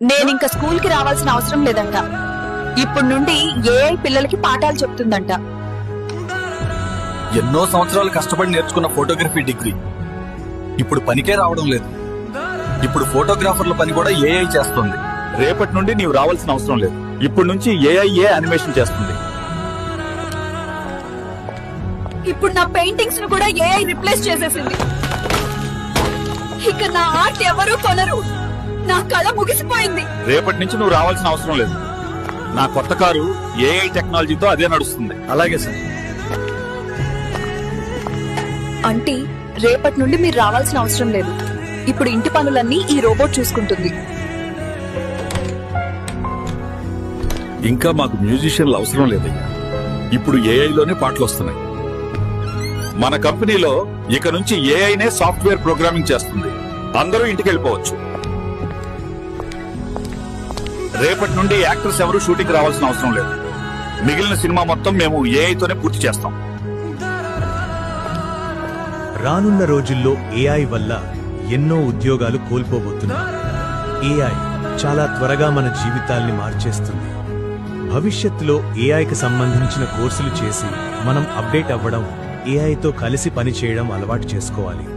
నేనింక స్కూల్ కి రావాల్సిన అవసరం లేదంట. ఇప్పుడు నుండి ఏఐ పిల్లలకి పాఠాలు చెప్తుందంట. ఎన్నో సంవత్సరాలు కష్టపడి నేర్చుకున్న ఫోటోగ్రఫీ డిగ్రీ ఇప్పుడు పనికే రావడం లేదు. ఇప్పుడు ఫోటోగ్రాఫర్ల పని కూడా ఏఐ చేస్తుంది. రేపటి నుండి నీవు రావాల్సిన అవసరం లేదు. ఇప్పటి నుంచి ఏఐ యానిమేషన్ చేస్తుంది. ఇప్పుడు నా పెయింటింగ్స్ ను కూడా ఏఐ రిప్లేస్ చేసేసింది. ఇక నా ఆర్ట్ ఎవరూ కొనరు. నా కళ ముగిసిపోయింది. రేపటి నుంచి నువ్వు రావాల్సిన అవసరం లేదు. నా కొత్త కారు ఏఐ టెక్నాలజీతో అదే నడుస్తుంది. అలాగే సార్. అంటే రేపటి నుండి మీరు రావాల్సిన అవసరం లేదు. ఇప్పుడు ఇంటి పనులన్నీ ఈ రోబోట్ చూసుకుంటుంది. ఇంకా మాకు మ్యూజిషియన్లు అవసరం లేదయ్యా. ఇప్పుడు ఏఐలోనే పాటలు వస్తున్నాయి. మన కంపెనీలో ఇక నుంచి ఏఐనే సాఫ్ట్వేర్ ప్రోగ్రామింగ్ చేస్తుంది. అందరూ ఇంటికి వెళ్ళిపోవచ్చు. రేపటి నుండి యాక్టర్స్ ఎవరు షూటింగ్ రావాల్సిన అవసరం లేదు. మిగిలిన సినిమా మొత్తం మేము ఏఐతోనే పూర్తి చేస్తాం. రానున్న రోజుల్లో ఏఐ వల్ల ఎన్నో ఉద్యోగాలు కోల్పోబోతున్నాయి. ఏఐ చాలా త్వరగా మన జీవితాల్ని మార్చేస్తుంది. భవిష్యత్తులో ఏఐకి సంబంధించిన కోర్సులు చేసి మనం అప్డేట్ అవ్వడం, ఏఐతో కలిసి పనిచేయడం అలవాటు చేసుకోవాలి.